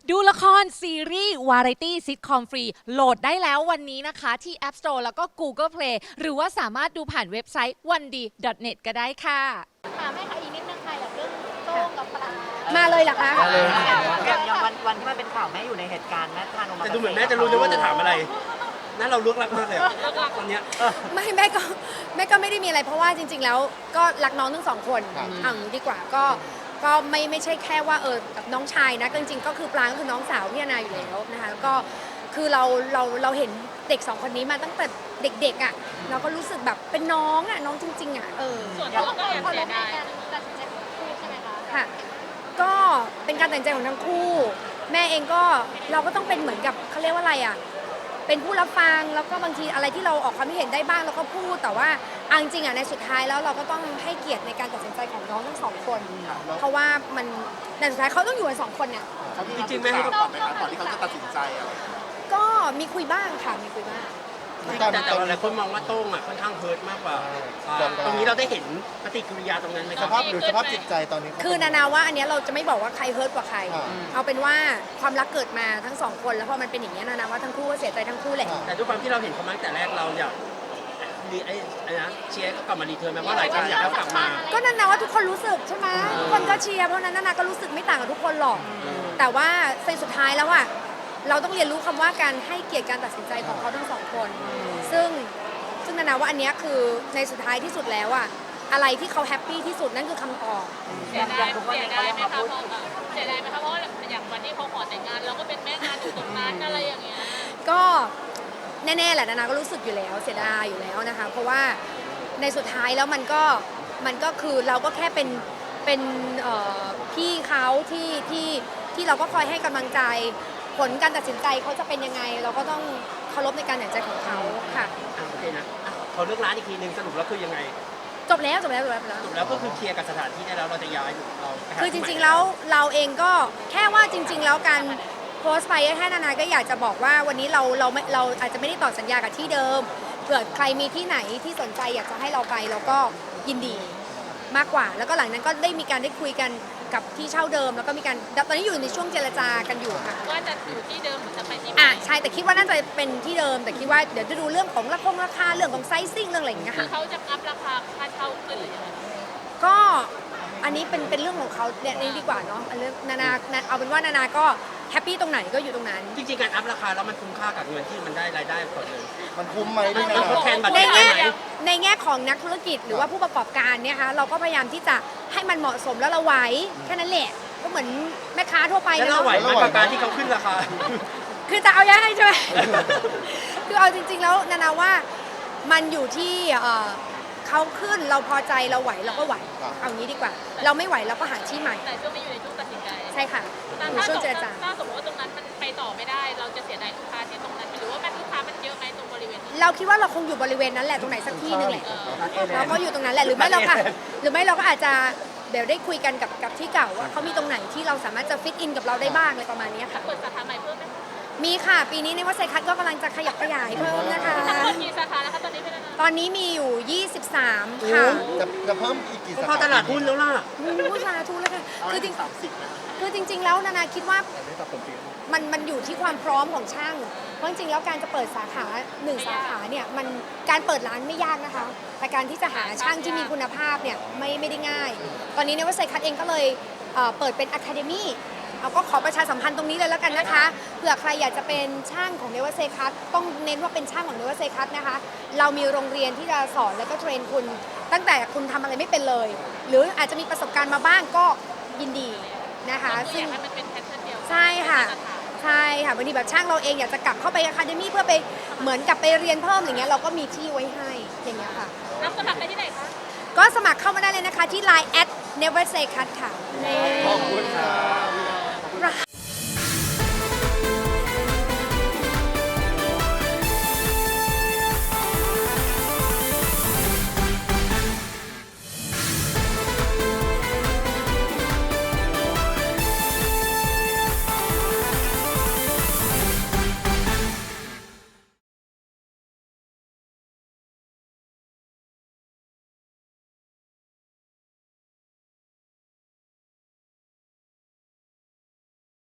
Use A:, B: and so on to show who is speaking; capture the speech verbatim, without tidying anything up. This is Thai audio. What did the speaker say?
A: ดูละครซีรีส์วาไรตี้ซิทคอมฟรีโหลดได้แล้ววันนี้นะคะที่ App Store แล้วก็ Google Play หรือว่าสามารถดูผ่านเว็บไซต์ วันดี ดอท เน็ต ก็ได้ค่ะ
B: ถามให้ค่ะอีกนิดนึงค่ะอย่างเรื่องโต้งกับปลา
C: มาเลยเหรอคะ
D: มาเลย
B: อย่าง
D: วันวันที่มันเป็นข่าวแม่อยู่ในเหตุการณ์แม่ทานออกมา
E: แต่ดูเหมือนแม่จะรู้ด้วยว่าจะถามอะไรนั่นเราลึกลักมากเลยตอนเนี้ย
C: ไม่แม่ก็แม่ก็ไม่ได้มีอะไรเพราะว่าจริง ๆ แล้วก็รักน้องทั้งสองคนเอางี้ดีกว่าก็ก็ไม่ไม่ใช่แค่ว่าเออกับน้องชายนะจริงๆก็คือปลางก็คือน้องสาวพี่นาอยู่แล้วนะคะแล้วก็คือเราเราเราเห็นเด็กสองคนนี้มาตั้งแต่เด็กๆอ่ะเราก็รู้สึกแบบเป็นน้องอ่ะน้องจริงๆอ่ะเออ
B: ส่วนตัวก็ยังเสียดายตัดสินใจของคู่ใช่ไหมคะ
C: ค่ะก็เป็นการตัดสินใจของทั้งคู่แม่เองก็เราก็ต้องเป็นเหมือนกับเขาเรียกว่าอะไรอ่ะเป็นผู้รับฟังแล้วก็บางทีอะไรที่เราออกความคิดเห็นได้บ้างเราก็พูดแต่ว่าเอาจริงๆอ่ะในสุดท้ายแล้วเราก็ต้องให้เกียรติในการตัดสินใจของน้องทั้งสองคนเพราะว่ามันในสุดท้ายเขาต้องอยู่กันสองคนเนี่ย
E: จริงๆไม่ให้เขาตอบไหมคะ
F: ก่อนที่เขาจะตัดสินใจอะไร
C: ก็มีคุยบ้างค่ะมีคุยบ้าง
E: แต่แต่หลายคนมองว่าโต้งอ่ะค่อนข้างเฮิร์ตมากกว่าตรงนี้เราได้เห็นปฏิกิริยาตรงนั้นไหมค
F: ส
E: รับ
F: ภาพหรือสภาพจิตใจตอนนี้
C: คือนานาว่าอันนี้เราจะไม่บอกว่าใครเฮิร์ตกว่าใครเอาเป็นว่าความรักเกิดมาทั้งสองคนแล้วพอมันเป็นอย่างนี้นานาว่าทั้งคู่ก็เสียใจทั้งคู่แหละ
E: แต่ด้วยความที่เราเห็นเขามาตั้งแต่แรกเราอยากรีไอ้ไอ้นะเชียร์ก็กลับมารีเทิร์นแม้ว่าหลายคนอยากให้กลับมา
C: ก็นานาว่าทุกคนรู้สึกใช่ไหมทุกคนก็เชียร์เพราะนั้นนานาก็รู้สึกไม่ต่างกับทุกคนหรอกแต่ว่าในสุดท้ายแล้วอะเราต้องเรียนรู้คำว่าการให้เกียรติการตัดสินใจของเขาทั้งสองคนซึ่งซึ่งนานาว่าอันนี้คือในสุดท้ายที่สุดแล้วอะอะไรที่เขาแฮปปี้ที่สุดนั่นคือคำตอบ
B: เสียดายเสียดายไหมคะเพราะเสียดายไหมคะเพราะอย่างวันที่เขาขอแต่งงานเราก็เป็นแม่งานอยู่ตรงนั้นอะไรอย่างเงี้ย
C: ก็แน่ๆแหละนานาก็รู้สึกอยู่แล้วเสียดายอยู่แล้วนะคะเพราะว่าในสุดท้ายแล้วมันก็มันก็คือเราก็แค่เป็นเป็นพี่เขาที่ที่ที่เราก็คอยให้กำลังใจผลการตัดสินใจเขาจะเป็นยังไงเราก็ต้องเคารพในการตัดสินใจของเขาค่ะ
E: โอเคนะเขาเลือกร้านอีกทีนึงสรุปแล้วคือยังไง
C: จบแล้วจบแล้วจบแล้ว
E: จบแล้วก็คือเคลียร์กับสถานที่ได้แล้วเราจะย้ายเรา
C: คือจริงๆแล้วเราเองก็แค่ว่าจริงๆแล้วการโพสต์ไปแค่นานาก็อยากจะบอกว่าวันนี้เราเราเราอาจจะไม่ได้ต่อสัญญากับที่เดิมเผื่อใครมีที่ไหนที่สนใจอยากจะให้เราไปเราก็ยินดีมากกว่าแล้วก็หลังนั้นก็ได้มีการได้คุยกันกับที่เช่าเดิมแล้วก็มีการตอนนี้อยู่ในช่วงเจรจากันอยู่ค่ะ
B: ว่าจะอยู่ที่เดิมหรือจะไปที่
C: อ่ะใช่แต่คิดว่าน่าจะเป็นที่เดิมแต่คิดว่าเดี๋ยวจะดูเรื่องของราคงราคาเรื่องของไซซิ่งเรื่องอะไรอย่างเงี้ยค่ะ
B: เขาจะอัพราคาค่าเช่าขึ้นหรือยังไง
C: ก็อันนี้เป็นเป็นเรื่องของเขาเนี่ยนี่ดีกว่าเนาะเรื่องนานาเอาเป็นว่านานาก็แฮปปี้ตรงไหนก็อยู่ตรงนั้น
E: จริงๆการอัพราคาแล้วมันคุ้มค่ากับเงินที่มันได้รายได้ก่อนเลย
F: มันคุ้มไหมพี่นา
C: ในแง่ในแง่ของนักธุรกิจหรือว่าผู้ประกอบการเนี่ยค่ะเราก็พยายามที่จะให้มันเหมาะสมแล้วเราไหวแค่นั้นแหละก็เหมือนแม่ค้าทั่วไป
E: แล้วเราไหวไหมกับการที่เขาขึ้นราคา
C: คือจะเอายังไงใช่ไหมคือเอาจริงๆแล้วนานาว่ามันอยู่ที่เขาขึ้นเราพอใจเราไหวเราก็ไหวเอางี้ดีกว่าเราไม่ไหวเราก็หาที่ใหม่
B: แต่ช่วงนี้อยู่ในช่วงตัดสินใจ
C: ใช่ค่ะ
B: อยู่ช่วงเจรจาถ้าสมมติว่าตรงนั้นมันไปต่อไม่ได้เราจะเสียดายลูกค้าที่ตรงนั้นหรือว่าแม่ลูกค้ามันเยอะไหมตรงบริเวณ
C: เราคิดว่าเราคงอยู่บริเวณนั้นแหละตรงไหนสักที่นึงแหละเราก็อยู่ตรงนั้นแหละหรือไม่เราค่ะหรือไม่เราก็อาจจะเดี๋ยวได้คุยกันกับกับที่เก่าว่าเขามีตรงไหนที่เราสามารถจะฟิตอินกับเราได้บ้างอะไรประมาณนี้ค่ะ
B: เปิดสาขาใหม่เพิ่มไหม
C: มีค่ะปีนี้ในวัดไซคัสก็กำลังจะขยับขยายเพิ่มนะคะ
B: ทั้งหมดกี่สาขาแล้วคะตอนนี้เป็น
C: ตอนนี้มีอยู่ยี่สิบสามค่ะ
F: จะจะเพิ่มอีกกี่สาขา
E: พอตลาดหุ้นแล้วล่ะ
C: ผู้ชาทุนแล้วค่ะคือจริงคือจริงๆแล้วนานาคิดว่ามันมันอยู่ที่ความพร้อมของช่างเพราะจริงๆแล้วการจะเปิดสาขาหนึ่งสาขาเนี่ยมันการเปิดร้านไม่ยากนะคะแต่การที่จะหาช่างที่มีคุณภาพเนี่ยไม่ไม่ได้ง่ายตอนนี้ในวัดไซคัสเองก็เลยเปิดเป็นอะคาเดมี่เอาก็ขอประชาสัมพันธ์ตรงนี้เลยแล้วกันนะคะเผื่อใครอยากจะเป็นช่างของเนวเซคัสต้องเน้นว่าเป็นช่างของเนวเซคัสนะคะเรามีโรงเรียนที่จะสอนแล้วก็เทรนคุณตั้งแต่คุณทำอะไรไม่เป็นเลยหรืออาจจะมีประสบการณ์มาบ้างก็ยินดีนะคะ
B: ซึ่งมันเป็นแพทเทิร์นเดียว
C: ใช่ค่ะใช่ค่ะบางทีแบบช่างเราเองอยากจะกลับเข้าไปอะคาเดมี่เพื่อไปเหมือนกับไปเรียนเพิ่มอย่างเงี้ยเราก็มีที่ไว้ให้อย่างเงี้ยค่ะ
B: รับสมัครได้ที่ไหนคะ
C: ก็สมัครเข้ามาได้เลยนะคะที่ ไลน์ แอท เนเวอร์เซคัส ค่ะ
F: ขอบคุณค่ะ